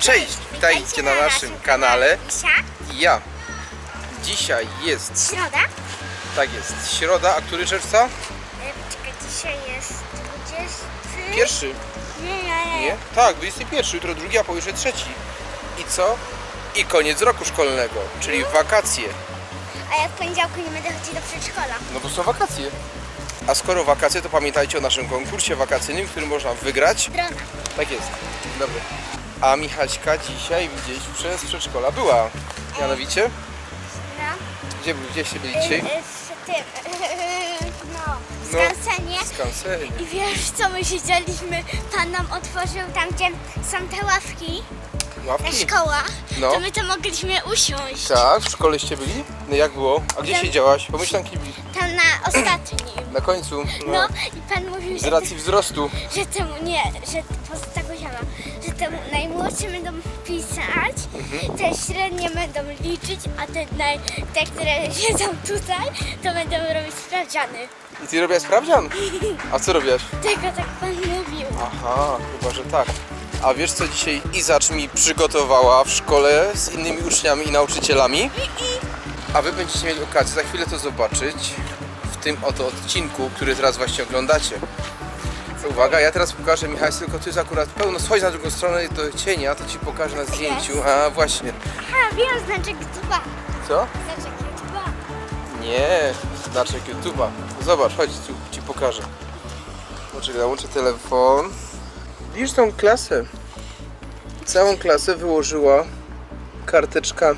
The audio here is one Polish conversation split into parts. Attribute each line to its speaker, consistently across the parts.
Speaker 1: Cześć, witajcie na naszym kanale.
Speaker 2: Misia,
Speaker 1: I ja. Dzisiaj jest,
Speaker 2: środa.
Speaker 1: tak jest, środa, a który czerwca?
Speaker 2: Czekaj, dzisiaj jest 20...
Speaker 1: Pierwszy.
Speaker 2: Nie.
Speaker 1: Nie? Tak, 21, jutro drugi, a pojutrze trzeci. I co? I koniec roku szkolnego, czyli wakacje.
Speaker 2: A ja w poniedziałku nie będę chodzić do przedszkola.
Speaker 1: No bo są wakacje. A skoro wakacje, to pamiętajcie o naszym konkursie wakacyjnym, który można wygrać.
Speaker 2: Drona.
Speaker 1: Tak jest. Dobra. A Michaśka dzisiaj gdzieś przez przedszkola była. Mianowicie?
Speaker 2: No.
Speaker 1: Gdzieście byli dzisiaj?
Speaker 2: W tym... No. W
Speaker 1: No.
Speaker 2: skansenie.
Speaker 1: Skansenie.
Speaker 2: I wiesz co, my siedzieliśmy, pan nam otworzył tam, gdzie są te ławki na
Speaker 1: Ławki?
Speaker 2: szkołach,
Speaker 1: No.
Speaker 2: to my to mogliśmy usiąść.
Speaker 1: Tak, w szkoleście byli? No jak było? A gdzie
Speaker 2: Tam-
Speaker 1: siedziałaś? Pomyślanki byli.
Speaker 2: Tam na ostatnim.
Speaker 1: Na końcu.
Speaker 2: No i pan mówił,
Speaker 1: Z racji wzrostu.
Speaker 2: że temu nie, że poza tego ziama, że temu najmłodsi będą pisać, te średnie będą liczyć, a te, które siedzą tutaj, to będą robić sprawdziany.
Speaker 1: I ty robiłaś sprawdzian? A co robiłaś?
Speaker 2: Tego tak pan mówił.
Speaker 1: Aha, chyba, że tak. A wiesz co dzisiaj Izacz mi przygotowała w szkole z innymi uczniami i nauczycielami? A wy będziecie mieli okazję za chwilę to zobaczyć w tym oto odcinku, który teraz właśnie oglądacie. Uwaga, ja teraz pokażę Michał, tylko ty jest akurat pełno. Schodź na drugą stronę do cienia, to ci pokażę na zdjęciu. A właśnie.
Speaker 2: A, wiem, znaczek YouTube'a.
Speaker 1: Co?
Speaker 2: Znaczek YouTube'a.
Speaker 1: Nie, znaczek YouTube'a. Zobacz, chodź, tu ci pokażę. Poczekaj, łączę telefon. Widzisz tą klasę? Całą klasę wyłożyła karteczkami.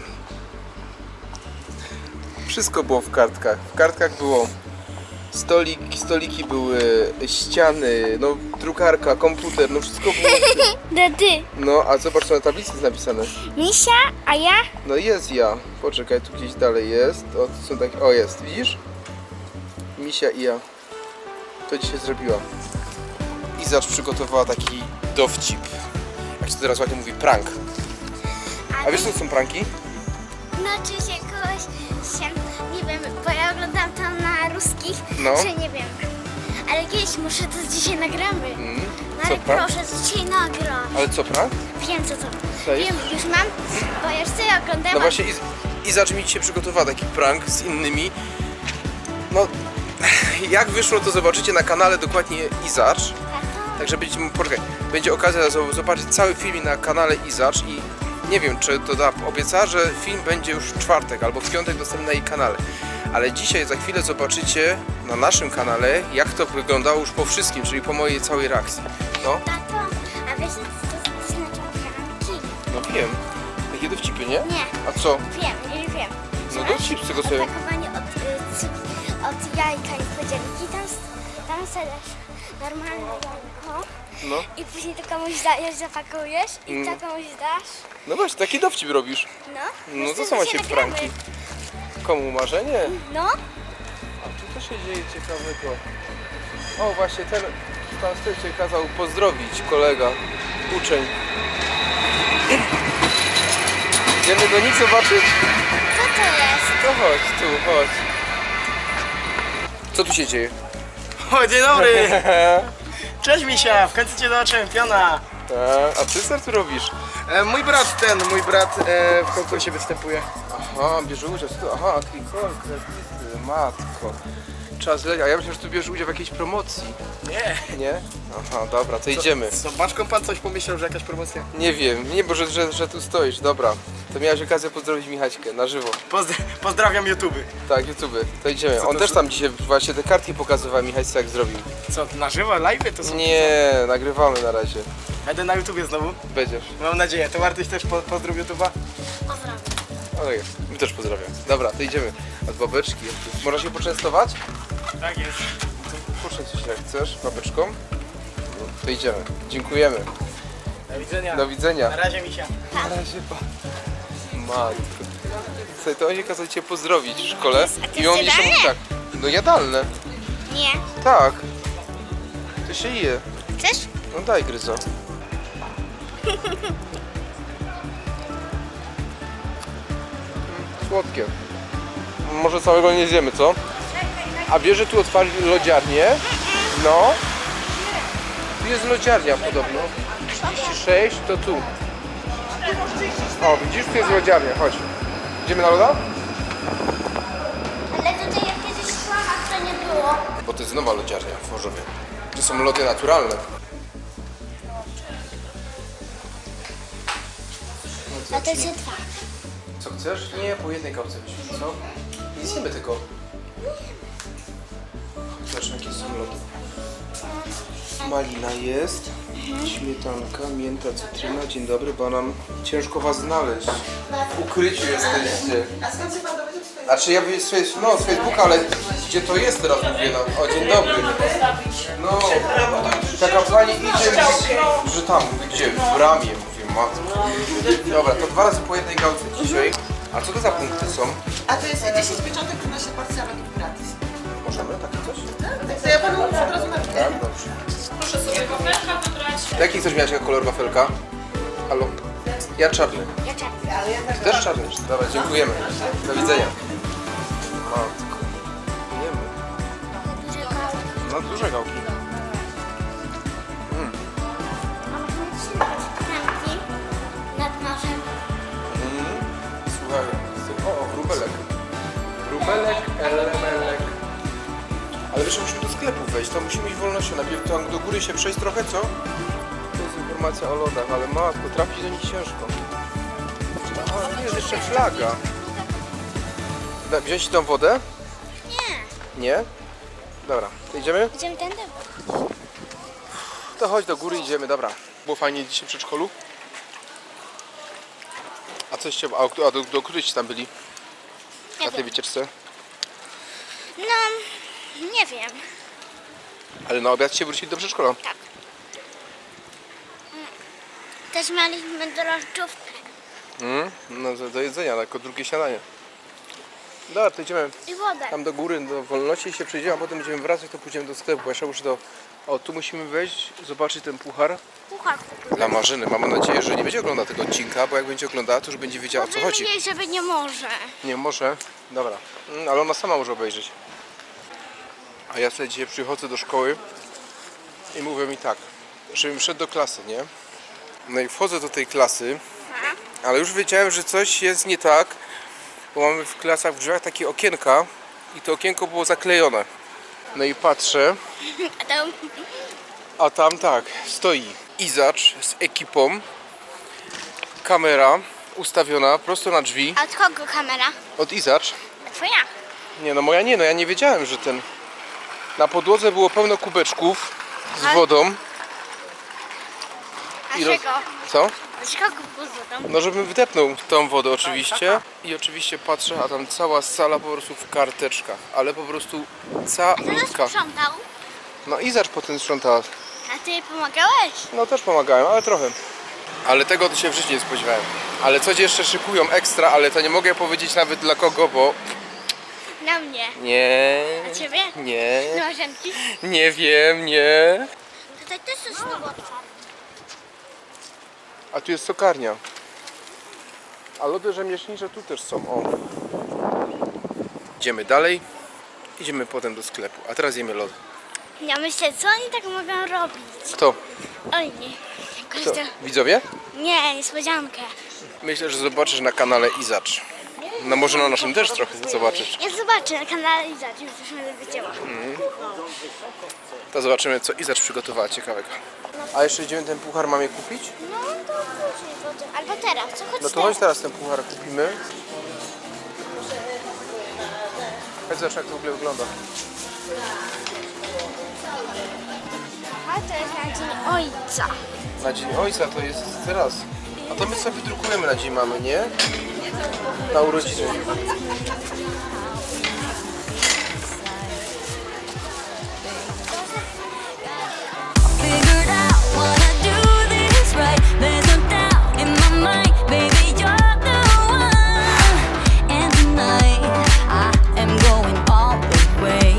Speaker 1: Wszystko było w kartkach. W kartkach było stoliki były, ściany, no drukarka, komputer, no wszystko było.
Speaker 2: Dedy.
Speaker 1: No, a zobacz, co na tablicy jest napisane.
Speaker 2: Misia, a ja?
Speaker 1: No jest ja. Poczekaj, tu gdzieś dalej jest. O, tu są takie. O, jest, widzisz? Misia i ja. To dzisiaj zrobiła. Izacz przygotowała taki dowcip. Jak się teraz ładnie mówi, prank. A wiesz, co to są pranki?
Speaker 2: No, czy się kogoś się, nie wiem, bo ja oglądam tam na ruskich,
Speaker 1: No.
Speaker 2: że nie wiem. Ale kiedyś muszę, to dzisiaj nagramy. No
Speaker 1: Co,
Speaker 2: ale
Speaker 1: prank?
Speaker 2: proszę, to dzisiaj nagram.
Speaker 1: Ale co, prank?
Speaker 2: Wiem co to.
Speaker 1: Co jest?
Speaker 2: Wiem, już mam, bo ja już sobie oglądałam.
Speaker 1: No właśnie Izacz mi dzisiaj przygotowała taki prank z innymi. No, jak wyszło, to zobaczycie na kanale dokładnie Izacz. Także będzie okazja zobaczyć cały film na kanale Izacz i nie wiem, czy to obiecała, że film będzie już w czwartek albo w piątek dostępny na jej kanale. Ale dzisiaj za chwilę zobaczycie na naszym kanale, jak to wyglądało już po wszystkim, czyli po mojej całej reakcji. No,
Speaker 2: Tato, a wiesz co znaczą pranki?
Speaker 1: no wiem. Takie dowcipy, nie?
Speaker 2: Nie.
Speaker 1: A co?
Speaker 2: Wiem.
Speaker 1: No dowcip z tego sobie.
Speaker 2: Opakowanie od jajka niespodzianki. Tam sadasz normalne jajko
Speaker 1: No.
Speaker 2: i później to komuś dajesz, zapakujesz i to komuś dasz.
Speaker 1: No właśnie, taki dowcip robisz.
Speaker 2: No.
Speaker 1: No to
Speaker 2: Myślę,
Speaker 1: są
Speaker 2: że
Speaker 1: właśnie
Speaker 2: się nagramy.
Speaker 1: pranki. Komu marzenie?
Speaker 2: No.
Speaker 1: A tu co się dzieje ciekawego? O, właśnie ten tam z tyłu cię kazał pozdrowić kolega, uczeń. Idziemy do nich zobaczyć?
Speaker 2: Co to jest?
Speaker 1: To chodź, tu, chodź. Co tu się dzieje?
Speaker 3: O, dzień dobry! Cześć Misia, w końcu cię zobaczyłem, piona!
Speaker 1: A ty co tu robisz?
Speaker 3: Mój brat w konkursie występuje.
Speaker 1: Aha, bierze udział. Aha, klikol, kredyty, matko. Czas leci. A ja myślę, że tu bierze udział w jakiejś promocji.
Speaker 3: Nie.
Speaker 1: Nie? Aha, dobra, to idziemy.
Speaker 3: Z Baczką pan coś pomyślał, że jakaś promocja?
Speaker 1: Nie wiem, nie, bo że tu stoisz, dobra. To miałeś okazję pozdrowić Michaśkę na żywo.
Speaker 3: Pozdrawiam YouTube.
Speaker 1: Tak, YouTube, to idziemy.
Speaker 3: Co
Speaker 1: On
Speaker 3: to
Speaker 1: też
Speaker 3: za-
Speaker 1: tam dzisiaj właśnie te kartki pokazywał Michaśce, jak zrobił.
Speaker 3: Co, na żywo, live to są?
Speaker 1: Nie, nagrywamy na razie.
Speaker 3: Będę na YouTubie znowu.
Speaker 1: Będziesz.
Speaker 3: Mam nadzieję. To Artyś też pozdrów YouTube'a.
Speaker 2: Pozdrawiam.
Speaker 1: Ale jest, my też pozdrawiam. Dobra, to idziemy. Od babeczki. Można się poczęstować?
Speaker 3: Tak jest.
Speaker 1: Proszę coś jak chcesz, babeczką. No, to idziemy. Dziękujemy.
Speaker 3: Do widzenia.
Speaker 1: Do widzenia.
Speaker 3: Na razie Misia.
Speaker 1: Na razie, matko. Słuchaj, to oni kazali cię pozdrowić w szkole.
Speaker 2: to
Speaker 1: I on
Speaker 2: jest
Speaker 1: jeszcze mówi tak. No jadalne.
Speaker 2: Nie.
Speaker 1: Tak. To się je.
Speaker 2: Chcesz?
Speaker 1: No daj gryzo. Słodkie. Może całego nie zjemy, co? A wiesz, że tu otwarli lodziarnię? No. Tu jest lodziarnia podobno. 36 to tu. O, widzisz, tu jest lodziarnia, chodź. Idziemy na loda?
Speaker 2: Ale tutaj jak kiedyś szłam, a to nie było.
Speaker 1: Bo to jest nowa lodziarnia w Chorzowie. To są lody naturalne.
Speaker 2: A to się dwa.
Speaker 1: Co chcesz? Nie, po jednej kawce byśmy, co? Nie zjemy tego. Zobacz, jakie są lody. Malina jest, śmietanka, mięta, cytryna, dzień dobry, banan. Ciężko was znaleźć. W ukryciu jesteście.
Speaker 4: A skąd się pan dowiedział?
Speaker 1: Znaczy ja z Facebooka, ale gdzie to jest teraz mówię nam. O, dzień dobry. No, taka pani idzie, że tam, mówię, gdzie? W bramie, mówię, matko. Dobra, to 2 razy po jednej gałce dzisiaj. A co to za punkty są?
Speaker 4: A to jest 10 pieczątek, 15 porcji, ale to gratis.
Speaker 1: Możemy takie coś?
Speaker 4: Tak, to ja panu od razu napiszę.
Speaker 1: Tak, dobrze.
Speaker 5: Proszę sobie wafelka wybrać.
Speaker 1: Jaki chcesz mieć jako kolor wafelka? Halo? Ja czarny.
Speaker 2: Ja czekam.
Speaker 1: Ty też czarny? Dobra, dziękujemy. Do widzenia. Matko. Jemy. No duże gałki.
Speaker 2: Franki nad morzem.
Speaker 1: Słuchaj, o, wróbelek. Wróbelek, elemelek. Ale wiesz, musimy do sklepu wejść, to musimy iść wolnością. Najpierw tam do góry się przejść trochę, co? To jest informacja o lodach, ale matko, trafić do nich ciężko. A, jest jeszcze flaga. Wziąć ci tą wodę?
Speaker 2: Nie.
Speaker 1: Nie? Dobra, to idziemy?
Speaker 2: Idziemy tędy?
Speaker 1: To chodź do góry, idziemy, dobra. Było fajnie dzisiaj w przedszkolu? A coś cię... A do której tam byli?
Speaker 2: Nie
Speaker 1: Na tej
Speaker 2: wiem.
Speaker 1: wycieczce?
Speaker 2: No, nie wiem.
Speaker 1: Ale na obiad się wrócili do przedszkola.
Speaker 2: Tak. Też mieliśmy drożdżówkę.
Speaker 1: No do jedzenia, jako drugie śniadanie. Dobra, to idziemy
Speaker 2: I wodę.
Speaker 1: tam do góry, do wolności i się przejdziemy, a potem będziemy wracać, to pójdziemy do sklepu. Bo jeszcze muszę do... O, tu musimy wejść, zobaczyć ten puchar
Speaker 2: Puchar.
Speaker 1: dla Marzyny. Mam nadzieję, że nie będzie oglądała tego odcinka, bo jak będzie oglądała, to już będzie wiedziała, o co chodzi.
Speaker 2: Powiemy jej, żeby nie może.
Speaker 1: Nie, może. Dobra. Ale ona sama może obejrzeć. A ja sobie dzisiaj przychodzę do szkoły i mówią mi tak, żebym wszedł do klasy, nie? No i wchodzę do tej klasy, ale już wiedziałem, że coś jest nie tak, bo mamy w klasach w drzwiach takie okienka i to okienko było zaklejone. No i patrzę,
Speaker 2: A tam
Speaker 1: a tam tak, stoi Izacz z ekipą, kamera ustawiona prosto na drzwi
Speaker 2: A od kogo kamera?
Speaker 1: od Izacz.
Speaker 2: Twoja.
Speaker 1: Nie, no moja nie, no ja nie wiedziałem, że ten... Na podłodze było pełno kubeczków z
Speaker 2: Ale-
Speaker 1: wodą.
Speaker 2: A
Speaker 1: I roz-
Speaker 2: czego?
Speaker 1: Co?
Speaker 2: Z kogo pozodą?
Speaker 1: No żebym wdepnął tą wodę oczywiście. I oczywiście patrzę, a tam cała sala po prostu w karteczkach. Ale po prostu
Speaker 2: Kto
Speaker 1: calutka.
Speaker 2: sprzątał?
Speaker 1: No Izacz potem sprzątała.
Speaker 2: A ty jej pomagałeś?
Speaker 1: No też pomagałem, ale trochę. Ale tego to się w życiu nie spodziewałem. Ale coś jeszcze szykują ekstra, ale to nie mogę powiedzieć nawet dla kogo, bo...
Speaker 2: Na mnie.
Speaker 1: Nie.
Speaker 2: A ciebie?
Speaker 1: Nie.
Speaker 2: Nożemki?
Speaker 1: Nie wiem, nie.
Speaker 2: Tutaj też coś było otwarte.
Speaker 1: A tu jest sokarnia. A lody rzemieślnicze tu też są. O. Idziemy dalej. Idziemy potem do sklepu. A teraz jemy lody.
Speaker 2: Ja myślę, co oni tak mogą robić?
Speaker 1: Kto?
Speaker 2: Oni. Jakoś
Speaker 1: Kto?
Speaker 2: to...
Speaker 1: Widzowie?
Speaker 2: Nie, niespodziankę.
Speaker 1: Myślę, że zobaczysz na kanale Izacz. No może na naszym też trochę zobaczysz.
Speaker 2: Ja zobaczę na kanale i już będę wiedziała.
Speaker 1: To zobaczymy, co Izacz przygotowała ciekawego. A jeszcze idziemy ten puchar mamie kupić?
Speaker 2: No to później potem. Albo teraz, co chodź
Speaker 1: No to chodź teraz ten puchar kupimy. Chodź zobacz, jak to w ogóle wygląda.
Speaker 2: A to jest na dzień ojca.
Speaker 1: Na Dzień Ojca to jest teraz. A to my sobie wydrukujemy na Dzień Mamy, nie? Na urodziny.
Speaker 6: Figured out, wanna do this right. There's no doubt in my mind, baby, you're the one. And tonight, I am going all the way.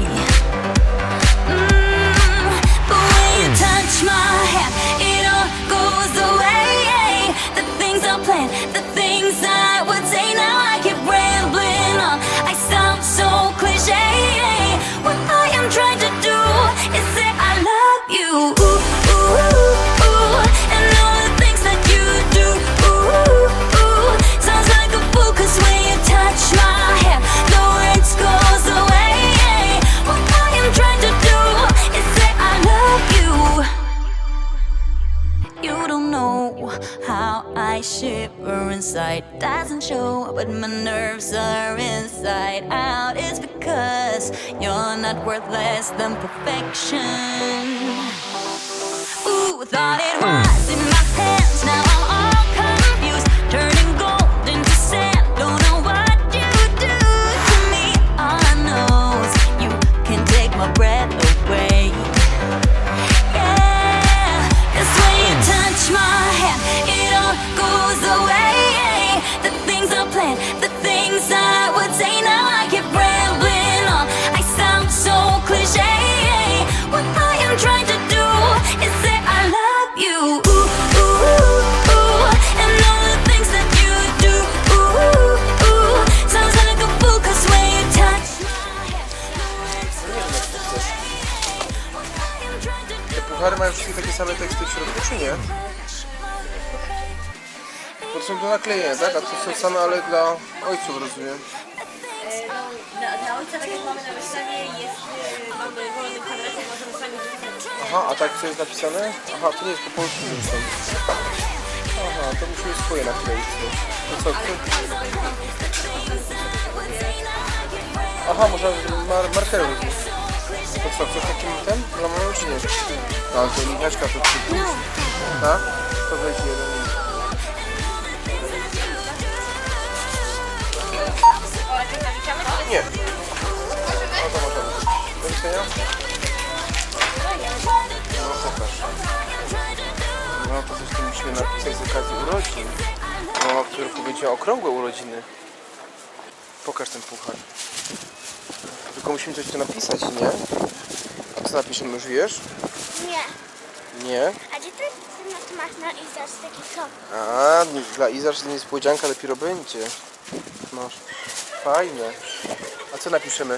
Speaker 6: But when you touch my hand, it all goes away. The things I planned, the things I would say, now I keep rambling on. I You're not worth less than perfection. Ooh, thought it was in my hands. Now I'm all confused, turning gold into sand. Don't know what you do to me. All I know is you can take my breath away. Yeah, 'cause when you touch my hand, it all goes away. The things I planned, the things I would say, now I keep rambling on. I sound so cliche. What I am trying to do is say I love you. Ooh, ooh, ooh, and all the things that you do. Ooh, ooh, sounds like a fool, 'cause when you touch my hand, no words goes away. What I am trying to do.
Speaker 1: Puchary mają wszystkie takie same teksty w środku, czy nie? Bo to są do naklejenia, tak? A to są same, ale dla ojców, rozumiem.
Speaker 5: Dla ojca, tak jak mamy na wystawie, jest, mamy wolny kwadrat, możemy sami wypisać.
Speaker 1: Aha, a tak co jest napisane? Aha, to nie jest po polsku zresztą. Aha, to musimy swoje nakleić. To co? Aha, można markerem robić. To co, coś takim ten? Dla mamy czy nie? No, ale to Michaśka to przypuść. Tak? To weź jeden. Nie. No to możemy. Do widzenia. No pokaż. No to coś tu musimy napisać z okazji urodzin. No, w którym roku będzie okrągłe urodziny. Pokaż ten puchar. Tylko musimy coś tu napisać, nie? A co napiszemy, już wiesz?
Speaker 2: Nie.
Speaker 1: Nie?
Speaker 2: A gdzie ty masz na Izasz taki top?
Speaker 1: A, dla Izasz niespodzianka dopiero będzie. Masz. Fajne. A co napiszemy?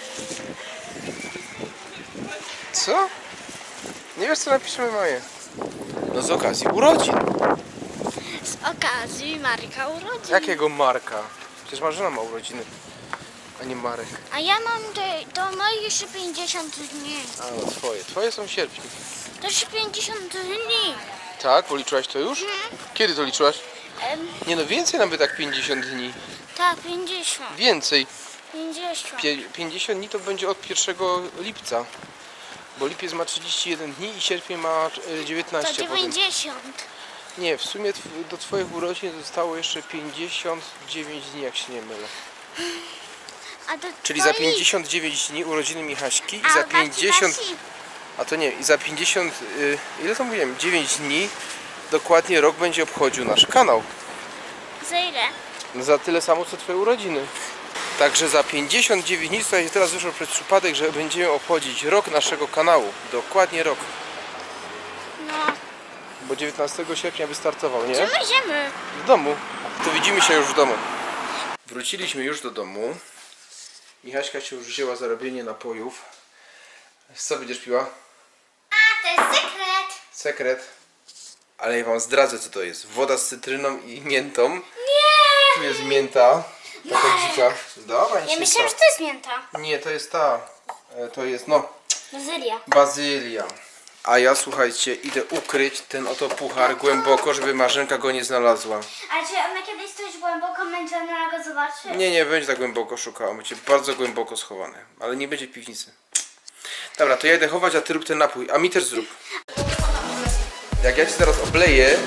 Speaker 1: Co? Nie wiesz co napiszemy, Maję? No z okazji urodzin.
Speaker 2: Z okazji Marka urodzin.
Speaker 1: Jakiego Marka? Przecież Marzena ma urodziny, a nie Marek.
Speaker 2: A ja mam do mojej jeszcze 50 dni.
Speaker 1: A no twoje. Twoje są w sierpniu.
Speaker 2: To już 50 dni.
Speaker 1: Tak? Policzyłaś to już? Kiedy to liczyłaś? Nie no, więcej nawet tak 50 dni.
Speaker 2: Tak, 50.
Speaker 1: Więcej.
Speaker 2: 50.
Speaker 1: 50 dni to będzie od 1 lipca. Bo lipiec ma 31 dni i sierpień ma
Speaker 2: To
Speaker 1: 19 potem.
Speaker 2: 90.
Speaker 1: Nie, w sumie do twoich urodzin zostało jeszcze 59 dni, jak się nie mylę.
Speaker 2: A do
Speaker 1: Czyli za
Speaker 2: twoich-
Speaker 1: 59 dni urodziny Michaśki i
Speaker 2: A
Speaker 1: za
Speaker 2: Basi,
Speaker 1: 50...
Speaker 2: Basi.
Speaker 1: A to nie, i za 50... ile to mówiłem? 9 dni dokładnie rok będzie obchodził nasz kanał.
Speaker 2: Za ile?
Speaker 1: No za tyle samo co twoje urodziny. Także za 59 dni, słuchajcie, teraz wyszło przez przypadek, że będziemy obchodzić rok naszego kanału. Dokładnie rok.
Speaker 2: No.
Speaker 1: Bo 19 sierpnia wystartował, nie?
Speaker 2: Gdzie my idziemy?
Speaker 1: W domu. To widzimy się już w domu. Wróciliśmy już do domu. Michaśka się już wzięła za robienie napojów. Co będziesz piła?
Speaker 2: A, to jest sekret.
Speaker 1: Sekret. Ale ja wam zdradzę co to jest. Woda z cytryną i miętą.
Speaker 2: Nie.
Speaker 1: Tu jest mięta. Taka dzika. Dobra, nic
Speaker 2: Ja
Speaker 1: nie
Speaker 2: myślałam, że
Speaker 1: stało.
Speaker 2: to jest mięta.
Speaker 1: Nie, to jest ta. To jest no.
Speaker 2: Bazylia.
Speaker 1: Bazylia. A ja słuchajcie, idę ukryć ten oto puchar głęboko, żeby Marzenka go nie znalazła.
Speaker 2: A czy ona kiedyś coś głęboko męczona go zobaczy?
Speaker 1: Nie będzie tak głęboko szukała, będzie bardzo głęboko schowane, ale nie będzie w piwnicy. Dobra, to ja idę chować, a ty rób ten napój, a mi też zrób. Jak ja ci teraz obleję...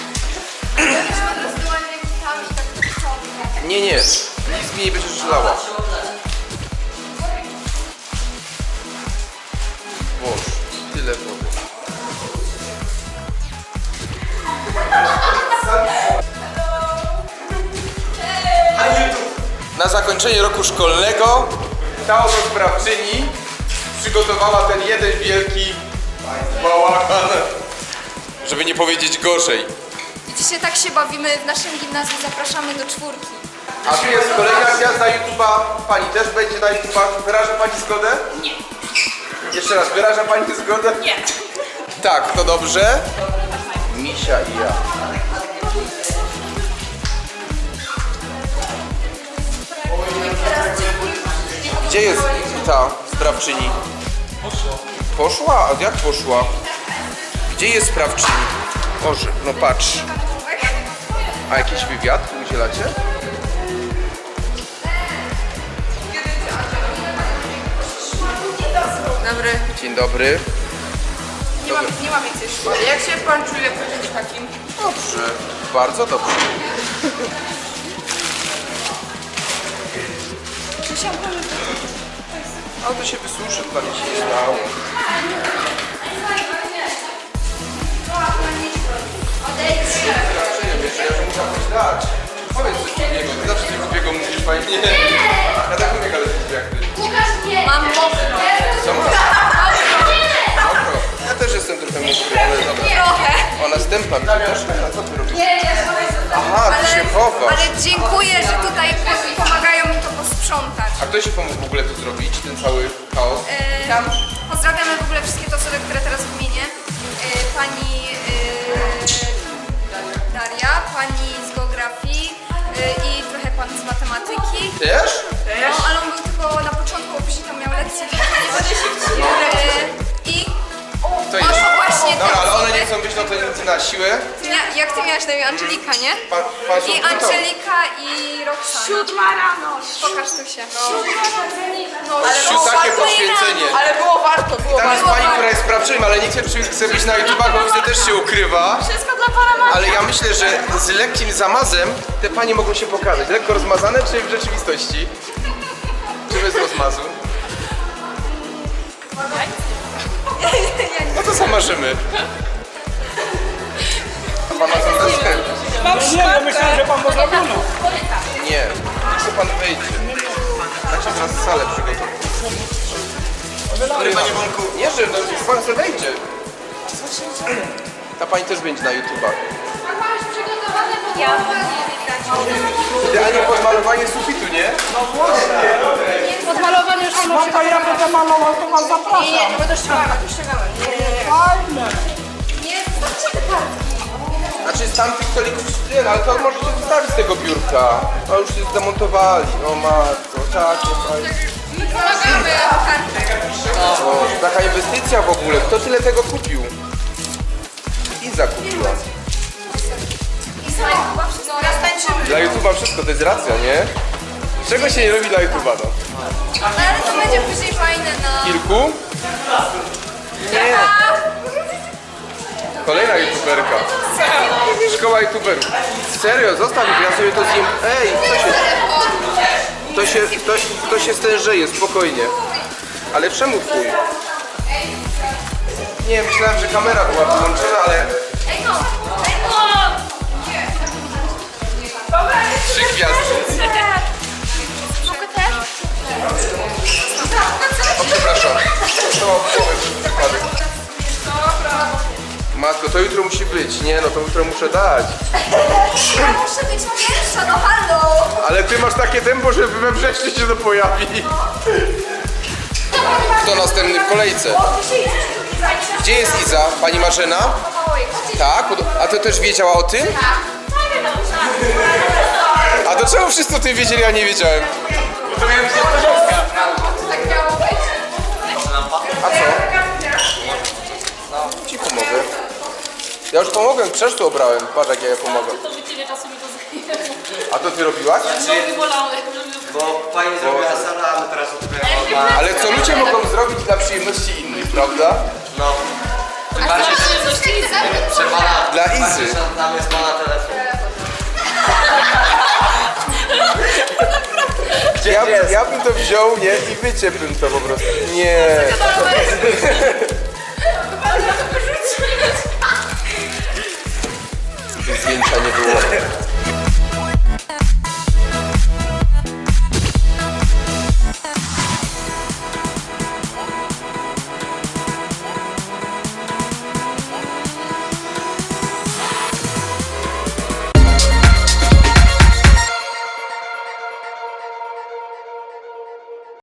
Speaker 1: Nie, nic mi nie będziesz żelała. Boże, tyle wody. Na zakończenie roku szkolnego ta oto sprawczyni przygotowała ten jeden wielki bałagan, żeby nie powiedzieć gorzej.
Speaker 5: Dzisiaj tak się bawimy w naszym gimnazjum, zapraszamy do 4.
Speaker 1: A tu jest kolejna gwiazda YouTube'a. Pani też będzie na YouTube'a. Wyraża Pani zgodę?
Speaker 5: Nie.
Speaker 1: Jeszcze raz, wyraża Pani zgodę?
Speaker 5: Nie.
Speaker 1: Tak, to dobrze. Misia i ja. Gdzie jest ta sprawczyni? Poszła? A jak poszła? Gdzie jest sprawczyni? Boże, no patrz. A jakiś wywiad udzielacie?
Speaker 7: dobry.
Speaker 1: Dzień dobry.
Speaker 7: Nie mam więcej szkoły. Jak się pan czuje po czymś takim?
Speaker 1: Dobrze, bardzo dobrze. A to się wysuszy, to nic się nie stało. Wiesz, ja muszę coś dać. Powiedz coś drugiego, ty zawsze coś drugiego mówisz fajnie. Ja tak mówię, ale ty jak ty.
Speaker 7: Mam mokre.
Speaker 1: Co masz? Mokro. Ja też jestem trochę mokry, ale dobra.
Speaker 7: Trochę.
Speaker 1: Ona stępna mi też. A co ty robisz? Aha, ty się chowasz.
Speaker 7: Ale dziękuję, że tutaj pomagają mi to posprzątać.
Speaker 1: A kto się pomógł w ogóle to zrobić, ten cały chaos?
Speaker 7: Pozdrawiamy w ogóle wszystkie te osoby, które teraz wymienię. Pani Daria, pani z geografii i trochę pan z matematyki.
Speaker 1: Też?
Speaker 7: No, ale on był tylko na początku, bo później tam miał lekcję. I
Speaker 1: To jest.
Speaker 7: właśnie te
Speaker 1: Dobra, ale one
Speaker 7: osoby.
Speaker 1: nie chcą być no to nic na siłę.
Speaker 7: Jak ty miałaś na imię? Angelika, nie?
Speaker 1: Pan
Speaker 7: I Angelika i Roxana.
Speaker 4: 7 rano.
Speaker 7: Pokaż tu się.
Speaker 1: Takie poświęcenie.
Speaker 7: Ale było warto, było
Speaker 1: Tam jest
Speaker 7: warto.
Speaker 1: pani, która jest sprawczynią, ale nie chce być na YouTubach, bo widzę też się ukrywa.
Speaker 7: Wszystko dla pana Maria.
Speaker 1: Ale ja myślę, że z lekkim zamazem te panie mogą się pokazać. Lekko rozmazane, czy w rzeczywistości? Czy bez rozmazu? No to zamarzymy. A pan ma coś za sklep?
Speaker 8: Nie, ja myślałem, że pan ma zrobione.
Speaker 1: Nie, niech sobie pan wejdzie. Tak się teraz salę przygotować. Panie Wąku. Nie, że no, niech pan sobie wejdzie. Ta pani też będzie na YouTubach. Idealnie podmalowanie sufitu, nie?
Speaker 7: Odmalowany już mam.
Speaker 8: No to ja będę malował, to was zapraszam.
Speaker 7: Nie, bo to ściągamy.
Speaker 8: Fajne.
Speaker 7: Nie, zostawcie te kartki.
Speaker 1: Znaczy z tamtych stolików nie, no, ale to możecie zostawić z tego biurka. A już się zdemontowali. O matko, takie fajne.
Speaker 7: Pomagamy kartki.
Speaker 1: O, taka inwestycja w ogóle. Kto tyle tego kupił? Iza kupiła.
Speaker 7: No, raz tańczymy.
Speaker 1: Dla YouTube'a wszystko to jest racja, nie? Czego się nie robi dla YouTube'a, no?
Speaker 7: Ale to będzie później fajne na...
Speaker 1: Kilku? Nie. Kolejna YouTuberka. Szkoła YouTuberów. Serio, zostaw ich, ja sobie to zjem. Ej, to się stężeje, spokojnie. Ale czemu twój? Nie, myślałem, że kamera była wyłączona, ale... Trzy gwiazdy.
Speaker 2: Mogę też?
Speaker 1: O, przepraszam. To przypadek. Matko, to jutro musi być. Nie, no to jutro muszę dać.
Speaker 7: Ja muszę być pierwsza, no halo.
Speaker 1: Ale ty masz takie tempo, że we wrześniu się to pojawi. Kto następny w kolejce? Gdzie jest Iza? Pani Marzena? Tak? A to też wiedziała o tym? A to czemu wszyscy o tym wiedzieli, a nie wiedziałem? Bo to miałem
Speaker 7: Tak miało być.
Speaker 1: A co? Ci pomogę. Ja już pomogłem, krzesło obrałem. Patrz jak ja pomogę.
Speaker 5: To by tyle czasu mi to zajęło.
Speaker 1: A to ty robiłaś?
Speaker 5: Nogi bolały.
Speaker 3: Bo pani zrobiła sala, a my teraz odkryjemy.
Speaker 1: Ale co ludzie mogą zrobić dla przyjemności innych, prawda?
Speaker 3: No. Tym bardziej, że pana...
Speaker 1: Dla Izy.
Speaker 3: Tam jest pana telefon.
Speaker 1: Ja bym to wziął, nie? I wyciepłbym to po prostu. Nie. Zdjęcia nie było.